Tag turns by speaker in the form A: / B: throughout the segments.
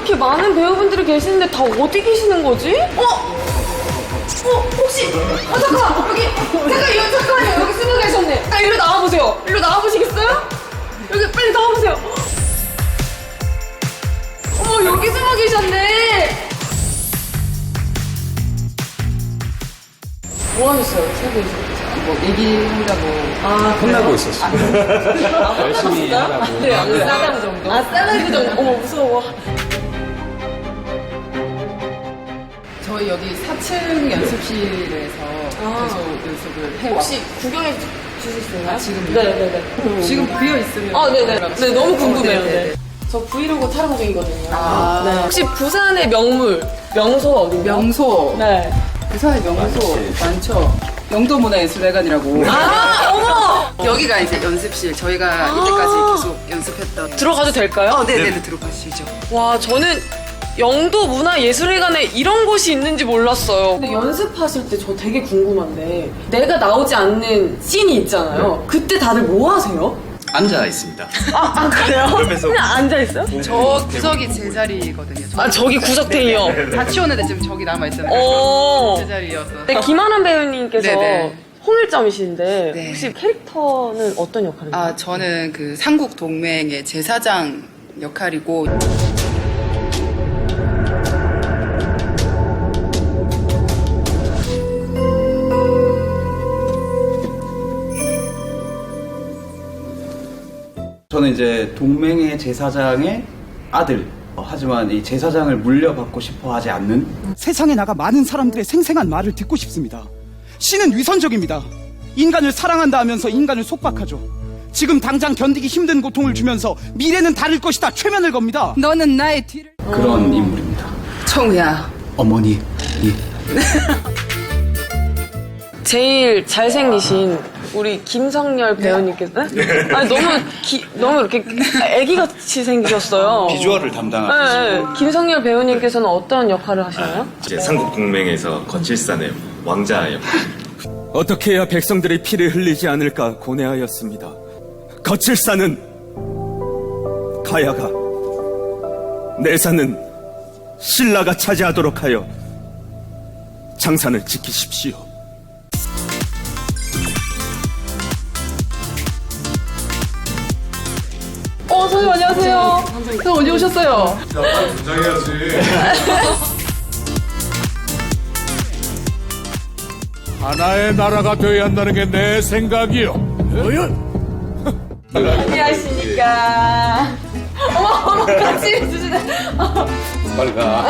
A: 이렇게 많은 배우분들이 계시는데 다 어디 계시는 거지? 혹시 잠깐만 잠깐만요. 여기 숨어 계셨네. 일로 나와보세요. 일로 나와보시겠어요? 여기 빨리 나와보세요. 여기 숨어 계셨네. 뭐 하셨어요? 세계에서?
B: 뭐 얘기한다고.
C: 혼나고 있었어. 열심히 하라고.
A: 네, 싸가지 정도. 싸가지 정도. 어머, 무서워.
B: 저희 여기 4층 연습실에서 계속 연습을 해요.
A: 혹시 구경해 주실 수 있나요?
B: 지금요?
A: 네네네.
B: 지금 비어 있으면.
A: 네네. 네, 너무 궁금해요.
B: 네네.
A: 네. 저 브이로그 촬영 중이거든요.
B: 아.
A: 네. 혹시 부산의 명소 어디인가요?
B: 명소.
A: 네.
B: 부산의 명소 많죠. 영도문화예술회관이라고.
A: 어머!
B: 여기가 이제 연습실. 저희가 이때까지 계속 연습했던.
A: 들어가도 될까요?
B: 네네네. 들어가시죠.
A: 와, 저는 영도 문화예술회관에 이런 곳이 있는지 몰랐어요. 근데 연습하실 때 저 되게 궁금한데 내가 나오지 않는 씬이 있잖아요. 그때 다들 뭐 하세요?
C: 앉아 있습니다.
A: 그래요?
C: 그러면서
A: 그냥 앉아있어요?
B: 저 구석이 제 자리거든요.
A: 저기 구석탱이요.
B: 다 치웠는데 지금 저기 남아있잖아요.
A: 어.
B: 제 자리여서.
A: 네, 김하남 배우님께서
B: 네네.
A: 홍일점이신데
B: 네.
A: 혹시 캐릭터는 어떤 역할인가요?
B: 저는 그 삼국동맹의 제사장 역할이고.
C: 저는 이제 동맹의 제사장의 아들. 하지만 이 제사장을 물려받고 싶어 하지 않는
D: 세상에 나가 많은 사람들의 생생한 말을 듣고 싶습니다. 신은 위선적입니다. 인간을 사랑한다 하면서 인간을 속박하죠. 지금 당장 견디기 힘든 고통을 주면서 미래는 다를 것이다 최면을 겁니다.
B: 너는 나의 뒤를.
C: 그런 인물입니다.
B: 청우야.
C: 어머니.
A: 제일 잘생기신 우리 김성열 배우님께서 아니 너무 이렇게 애기같이 생기셨어요.
C: 비주얼을 담당하는
A: 네, 네. 김성열 배우님께서는 어떤 역할을 하시나요?
E: 이제 삼국동맹에서 거칠산의 왕자 역할.
F: 어떻게 해야 백성들의 피를 흘리지 않을까 고뇌하였습니다. 거칠산은 가야가, 내산은 신라가 차지하도록 하여 장산을 지키십시오.
A: 선생님 안녕하세요. 선생님 언제 오셨어요?
G: 하나의 나라가 되어야 한다는 게 내 생각이요.
A: 안녕하십니까. 어머 같이 해주시네.
G: 빨리 가.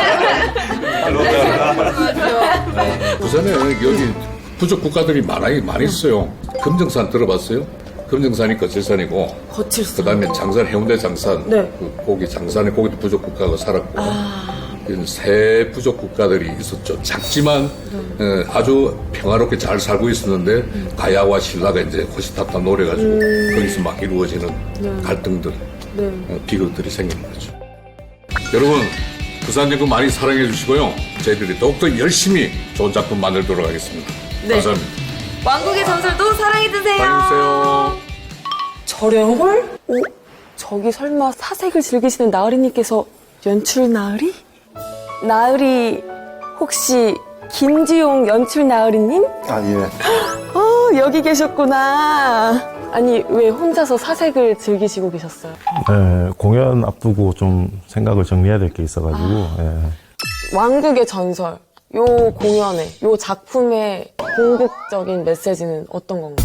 G: 부산에 여기 부족 국가들이 많이 있어요. 금정산 들어봤어요? 금정산이 거칠산이고,
A: 거칠산.
G: 그다음에 장산, 해운대 장산,
A: 네.
G: 그 거기 장산에 거기도 부족 국가가 살았고, 이런 세 부족 국가들이 있었죠. 작지만 아주 평화롭게 잘 살고 있었는데 가야와 신라가 이제 호시탐탐 노려가지고 거기서 막 이루어지는 갈등들, 비극들이 생기는 거죠. 여러분, 부산 연구 많이 사랑해 주시고요. 저희들이 더욱더 열심히 좋은 작품 만들도록 하겠습니다.
A: 네.
G: 감사합니다.
A: 왕국의 전설도 사랑해주세요.
G: 사랑해주세요.
A: 절연홀? 저기 설마 사색을 즐기시는 나으리님께서 연출 나으리? 나으리 혹시 김지용 연출 나으리님?
H: 예.
A: 여기 계셨구나. 아니 왜 혼자서 사색을 즐기시고 계셨어요?
H: 네, 공연 앞두고 좀 생각을 정리해야 될 게 있어가지고. 예.
A: 왕국의 전설 요 공연의 요 작품의 궁극적인 메시지는 어떤 건가요?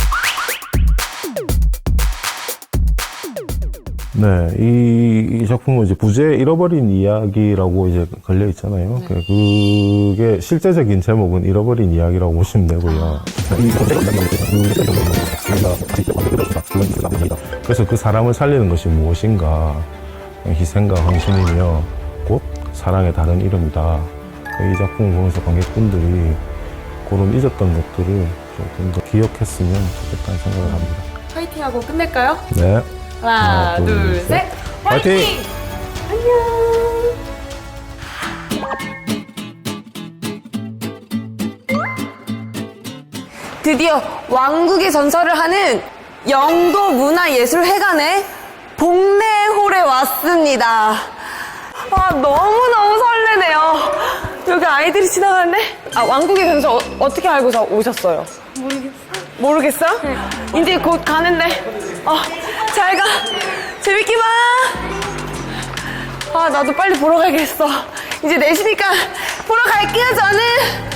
H: 네, 이 작품은 이제 부재 잃어버린 이야기라고 이제 걸려 있잖아요. 그게 실제적인 제목은 잃어버린 이야기라고 보시면 되고요. 그래서 그 사람을 살리는 것이 무엇인가? 희생과 헌신이며 곧 사랑의 다른 이름이다. 이 작품을 보면서 관객분들이 그런 잊었던 것들을 조금 더 기억했으면 좋겠다는 생각을 합니다.
A: 화이팅하고 끝낼까요?
H: 네.
A: 하나, 둘, 셋.
H: 화이팅!
A: 안녕! 드디어 왕국의 전설을 하는 영도 문화예술회관의 복례홀에 왔습니다. 아, 너무너무 설레네요. 여기 아이들이 지나가네? 아, 왕국의 변수 어떻게 알고 오셨어요? 모르겠어요? 네. 이제 곧 가는데. 잘 가. 재밌게 봐. 아, 나도 빨리 보러 가야겠어. 이제 4시니까 보러 갈게요, 저는.